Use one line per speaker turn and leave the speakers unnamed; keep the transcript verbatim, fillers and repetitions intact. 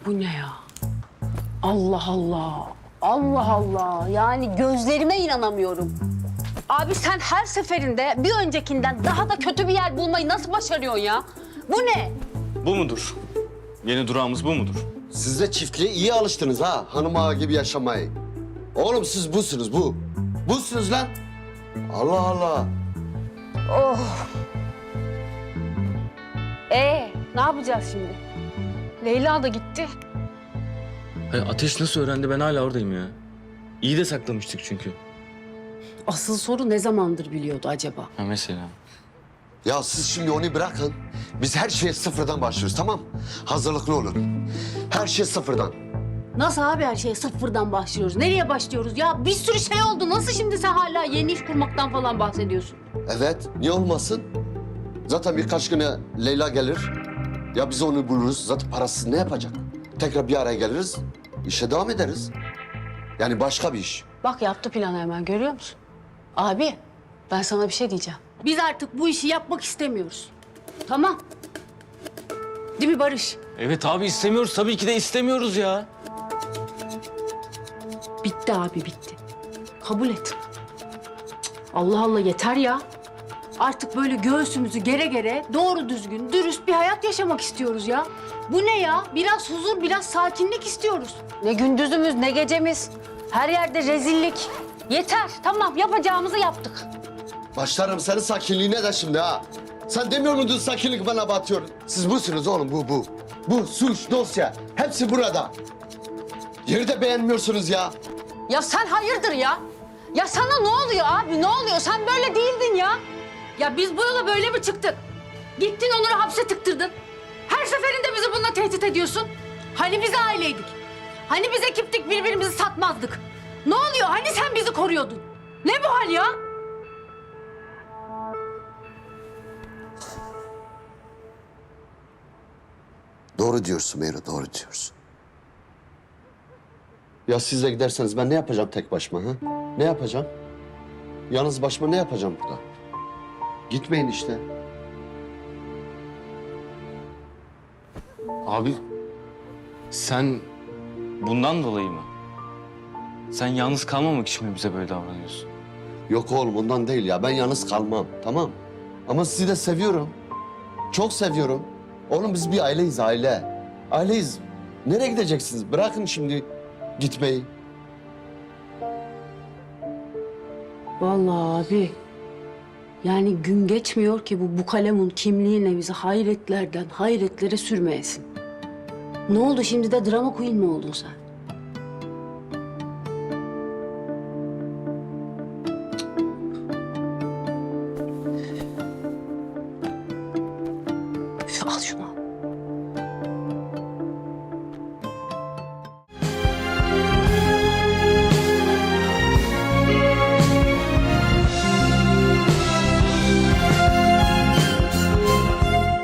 Bu ne ya? Allah Allah. Allah Allah. Yani gözlerime inanamıyorum. Abi sen her seferinde bir öncekinden daha da kötü bir yer bulmayı nasıl başarıyorsun ya? Bu ne?
Bu mudur? Yeni durağımız bu mudur?
Siz de çiftliğe iyi alıştınız ha, hanım ağa gibi yaşamayı. Oğlum siz busunuz, bu. Busunuz lan. Allah Allah.
Oh. Ee, ne yapacağız şimdi? Leyla da gitti.
Hayır, Ateş nasıl öğrendi, ben hala oradayım ya. İyi de saklamıştık çünkü.
Asıl soru ne zamandır biliyordu acaba?
Ha mesela.
Ya siz şimdi onu bırakın. Biz her şeye sıfırdan başlıyoruz, tamam? Hazırlıklı olun. Her şey sıfırdan.
Nasıl abi her şeye sıfırdan başlıyoruz? Nereye başlıyoruz? Ya bir sürü şey oldu. Nasıl şimdi sen hala yeni iş kurmaktan falan bahsediyorsun?
Evet, niye olmasın? Zaten birkaç güne Leyla gelir. Ya biz onu buluruz, zaten parasız ne yapacak? Tekrar bir araya geliriz, işe devam ederiz. Yani başka bir iş.
Bak yaptı planı hemen, görüyor musun? Abi ben sana bir şey diyeceğim. Biz artık bu işi yapmak istemiyoruz. Tamam. Değil mi Barış?
Evet abi, istemiyoruz, tabii ki de istemiyoruz ya.
Bitti abi bitti. Kabul et. Cık, Allah Allah yeter ya. Artık böyle göğsümüzü gere gere doğru düzgün, dürüst bir hayat yaşamak istiyoruz ya. Bu ne ya? Biraz huzur, biraz sakinlik istiyoruz. Ne gündüzümüz, ne gecemiz. Her yerde rezillik. Yeter, tamam yapacağımızı yaptık.
Başlarım senin sakinliğine de şimdi ha. Sen demiyor muydun sakinlik bana batıyor? Siz busunuz oğlum, bu, bu. Bu suç, dosya, hepsi burada. Yeri de beğenmiyorsunuz ya.
Ya sen hayırdır ya? Ya sana ne oluyor abi, ne oluyor? Sen böyle değildin ya. Ya biz bu yola böyle mi çıktık? Gittin Onur'u hapse tıktırdın. Her seferinde bizi bununla tehdit ediyorsun. Hani biz aileydik? Hani biz ekiptik, birbirimizi satmazdık? Ne oluyor? Hani sen bizi koruyordun? Ne bu hal ya?
Doğru diyorsun Meyra, doğru diyorsun. Ya siz de giderseniz ben ne yapacağım tek başıma ha? Ne yapacağım? Yalnız başıma ne yapacağım burada? Gitmeyin işte.
Abi, sen bundan dolayı mı? Sen yalnız kalmamak için mi bize böyle davranıyorsun?
Yok oğlum ondan değil ya. Ben yalnız kalmam, tamam. Ama sizi de seviyorum. Çok seviyorum. Oğlum biz bir aileyiz, aile. Aileyiz. Nereye gideceksiniz? Bırakın şimdi gitmeyi.
Vallahi abi. Yani gün geçmiyor ki bu bu kalemun kimliğine bizi hayretlerden hayretlere sürmeyesin. Ne oldu şimdi de drama queen mi oldun sen? Üf, al şunu.